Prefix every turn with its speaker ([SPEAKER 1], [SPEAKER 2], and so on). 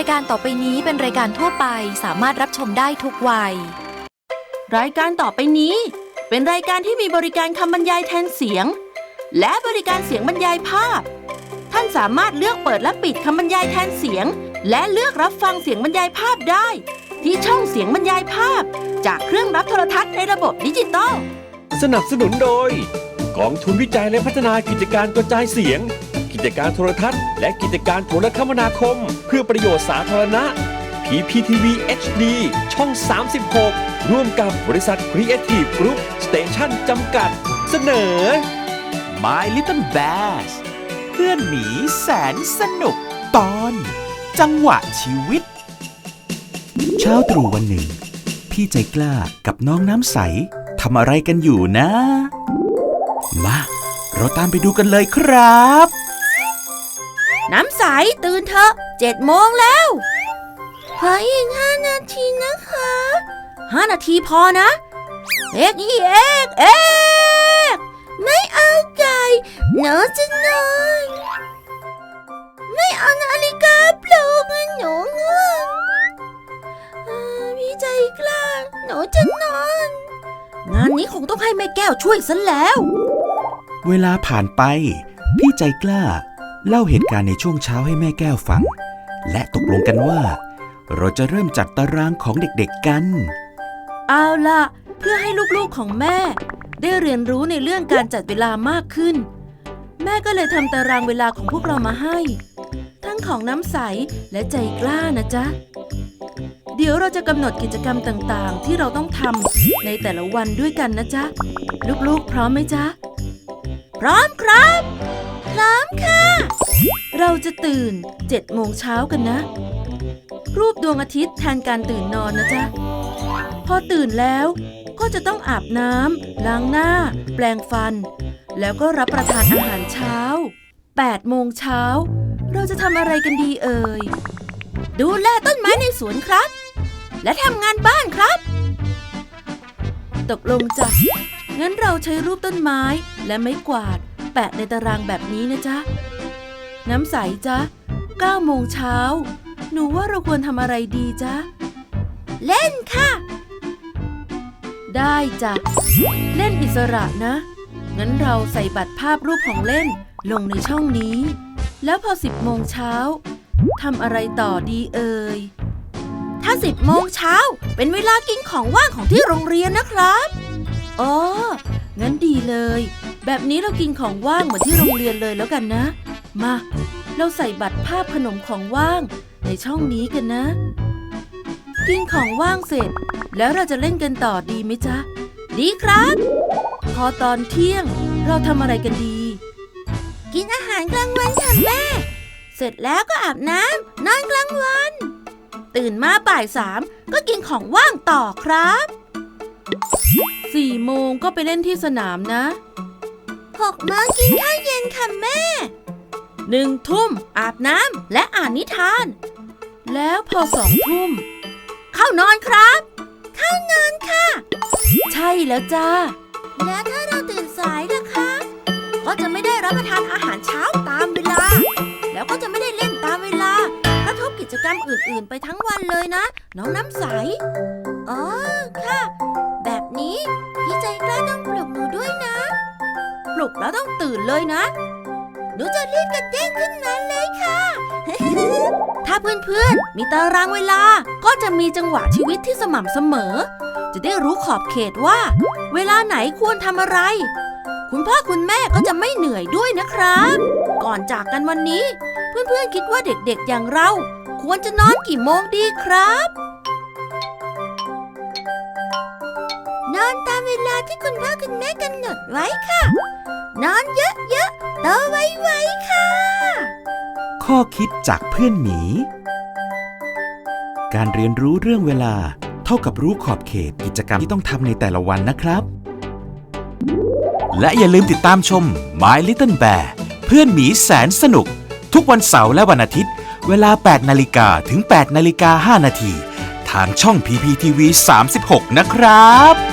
[SPEAKER 1] ายการต่อไปนี้เป็นรายการทั่วไปสามารถรับชมได้ทุกวัย
[SPEAKER 2] รายการต่อไปนี้เป็นรายการที่มีบริการคำบรรยายแทนเสียงและบริการเสียงบรรยายภาพท่านสามารถเลือกเปิดและปิดคำบรรยายแทนเสียงและเลือกรับฟังเสียงบรรยายภาพได้ที่ช่องเสียงบรรยายภาพจากเครื่องรับโทรทัศน์ในระบบดิจิตอล
[SPEAKER 3] สนับสนุนโดยกองทุนวิจัยและพัฒนากิจการกระจายเสียงกิจการโทรทัศน์และกิจการโทรคมนาคมเพื่อประโยชน์สาธารณะ PPTV HD ช่อง 36 ร่วมกับบริษัท Creative Group Station จำกัดเสนอ
[SPEAKER 4] My Little Bears เพื่อนหมีแสนสนุกตอนจังหวะชีวิตเช้าตรู่วันหนึ่งพี่ใจกล้ากับน้องน้ำใสทำอะไรกันอยู่นะมาเราตามไปดูกันเลยครับ
[SPEAKER 2] น้ำใสตื่นเถอะ7 โมงแล้วเฮ้ยอีก5 นาทีนะคะ5 นาทีพอนะเอกไม่เอาใจหนูจะนอนไม่เอานาฬิกาปลุกหนูง่วงพี่ใจกล้าหนูจะนอนงานนี้คงต้องให้แม่แก้วช่วยซะแล้ว
[SPEAKER 4] เวลาผ่านไปพี่ใจกล้าเล่าเหตุการณ์ในช่วงเช้าให้แม่แก้วฟังและตกลงกันว่าเราจะเริ่มจัดตารางของเด็กๆกัน
[SPEAKER 2] เอาล่ะเพื่อให้ลูกๆของแม่ได้เรียนรู้ในเรื่องการจัดเวลามากขึ้นแม่ก็เลยทำตารางเวลาของพวกเรามาให้ทั้งของน้ำใสและใจกล้านะจ๊ะเดี๋ยวเราจะกำหนดกิจกรรมต่างๆที่เราต้องทำในแต่ละวันด้วยกันนะจ๊ะลูกๆพร้อมไหมจ๊ะพร้อมครับพร้อมค่ะเราจะตื่น7 โมงเช้ากันนะรูปดวงอาทิตย์แทนการตื่นนอนนะจ๊ะพอตื่นแล้วก็จะต้องอาบน้ำล้างหน้าแปรงฟันแล้วก็รับประทานอาหารเช้า8 โมงเช้าเราจะทำอะไรกันดีเอ่ยดูแลต้นไม้ในสวนครับและทำงานบ้านครับตกลงจ้ะงั้นเราใช้รูปต้นไม้และไม้กวาดแปะในตารางแบบนี้นะจ๊ะน้ำใสจ๊ะ9 โมงเช้าหนูว่าเราควรทำอะไรดีจ๊ะเล่นค่ะได้จ้ะเล่นอิสระนะงั้นเราใส่บัตรภาพรูปของเล่นลงในช่องนี้แล้วพอ10 โมงเช้าทำอะไรต่อดีเอ่ยถ้า10 โมงเช้าเป็นเวลากินของว่างของที่โรงเรียนนะครับอ๋องั้นดีเลยแบบนี้เรากินของว่างเหมือนที่โรงเรียนเลยแล้วกันนะมาเราใส่บัตรภาพขนมของว่างในช่องนี้กันนะกินของว่างเสร็จแล้วเราจะเล่นกันต่อดีไหมจ๊ะดีครับพอตอนเที่ยงเราทำอะไรกันดีกินอาหารกลางวันค่ะแม่เสร็จแล้วก็อาบน้ำนอนกลางวันตื่นมาบ่าย 3ก็กินของว่างต่อครับ4 โมงก็ไปเล่นที่สนามนะ6 โมงกินข้าวเย็นค่ะแม่1 ทุ่มอาบน้ำและอ่านนิทานแล้วพอ2 ทุ่มเข้านอนครับเข้านอนค่ะใช่แล้วจ้าแล้วถ้าเราตื่นสายล่ะคะก็จะไม่ได้รับประทานอาหารเช้าตามเวลาแล้วก็จะไม่ได้เล่นตามเวลากระทบกิจกรรมอื่นๆไปทั้งวันเลยนะน้องน้ำใสอ๋อค่ะแบบนี้พี่ใจกล้าต้องปลุกหนูด้วยนะปลุกแล้วต้องตื่นเลยนะหนูจะรีบกระเด้งขึ้นมาเลยค่ะ ถ้าเพื่อนๆมีตารางเวลาก็จะมีจังหวะชีวิตที่สม่ำเสมอจะได้รู้ขอบเขตว่าเวลาไหนควรทำอะไรคุณพ่อคุณแม่ก็จะไม่เหนื่อยด้วยนะครับก่อนจากกันวันนี้เพื่อนๆคิดว่าเด็กๆอย่างเราควรจะนอนกี่โมงดีครับนอนตามเวลาที่คุณพ่อคุณแม่กำหนดไว้ค่ะนอนเยอะๆโตไวๆค่ะ
[SPEAKER 4] ข้อคิดจากเพื่อนหมีการเรียนรู้เรื่องเวลาเท่ากับรู้ขอบเขตกิจกรรมที่ต้องทำในแต่ละวันนะครับและอย่าลืมติดตามชม My Little Bear เพื่อนหมีแสนสนุกทุกวันเสาร์และวันอาทิตย์เวลา 8 นาฬิกาถึง 8 นาฬิกา 5 นาทีทางช่อง PPTV 36 นะครับ